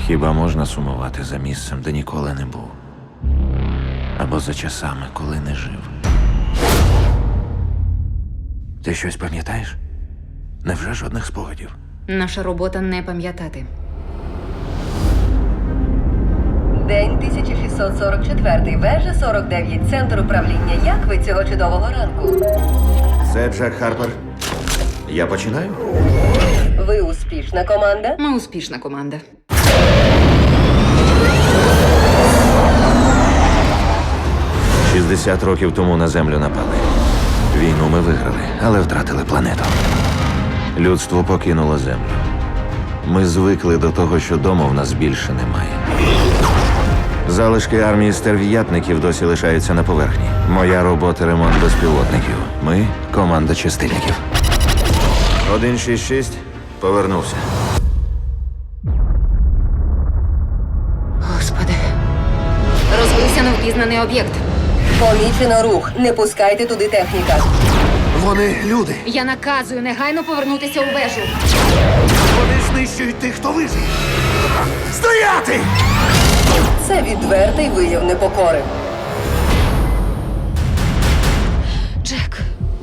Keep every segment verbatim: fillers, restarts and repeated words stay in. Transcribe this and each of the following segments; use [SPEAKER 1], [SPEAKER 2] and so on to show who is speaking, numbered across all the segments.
[SPEAKER 1] Хіба можна сумувати за місцем, де ніколи не був? Або за часами, коли не жив? Ти щось пам'ятаєш? Невже жодних спогадів?
[SPEAKER 2] Наша робота не пам'ятати.
[SPEAKER 3] День тисяча шістсот сорок четвертий, вежа сорок дев'ять, центр управління. Як ви цього чудового ранку?
[SPEAKER 1] Це Джек Харпер. Я починаю?
[SPEAKER 3] Ви успішна команда?
[SPEAKER 2] Ми успішна команда.
[SPEAKER 1] шістдесят років тому на землю напали. Війну ми виграли, але втратили планету. Людство покинуло землю. Ми звикли до того, що дому в нас більше немає. Залишки армії стерв'ятників досі лишаються на поверхні. Моя робота — ремонт безпілотників. Ми — команда чистильників. один шість шість повернувся.
[SPEAKER 2] Господи. Розбився невпізнаний об'єкт.
[SPEAKER 3] Помічено рух. Не пускайте туди техніка.
[SPEAKER 4] Вони люди.
[SPEAKER 2] Я наказую негайно повернутися у вежу.
[SPEAKER 4] Вони знищують тих, хто вижив. Стояти!
[SPEAKER 3] Це відвертий вияв непокори.
[SPEAKER 2] Джек.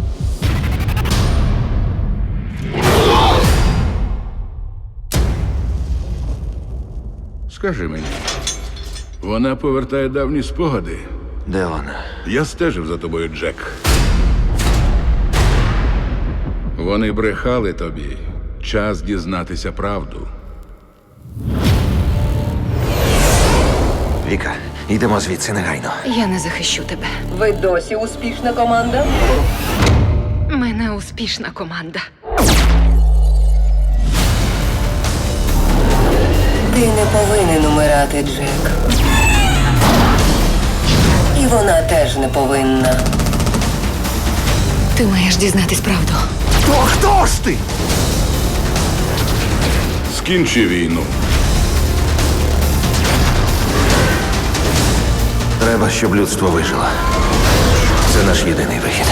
[SPEAKER 5] Скажи мені, вона повертає давні спогади.
[SPEAKER 1] Де вона?
[SPEAKER 5] Я стежив за тобою, Джек. Вони брехали тобі. Час дізнатися правду.
[SPEAKER 1] Віка, йдемо звідси негайно.
[SPEAKER 2] Я не захищу тебе.
[SPEAKER 3] Ви досі успішна команда?
[SPEAKER 2] Ми не успішна команда.
[SPEAKER 3] Ти не повинен умирати, Джек. І вона теж не повинна.
[SPEAKER 2] Ти маєш дізнатись правду.
[SPEAKER 4] То хто ж ти?
[SPEAKER 5] Скінчи війну.
[SPEAKER 1] Треба, щоб людство вижило. Це наш єдиний вихід.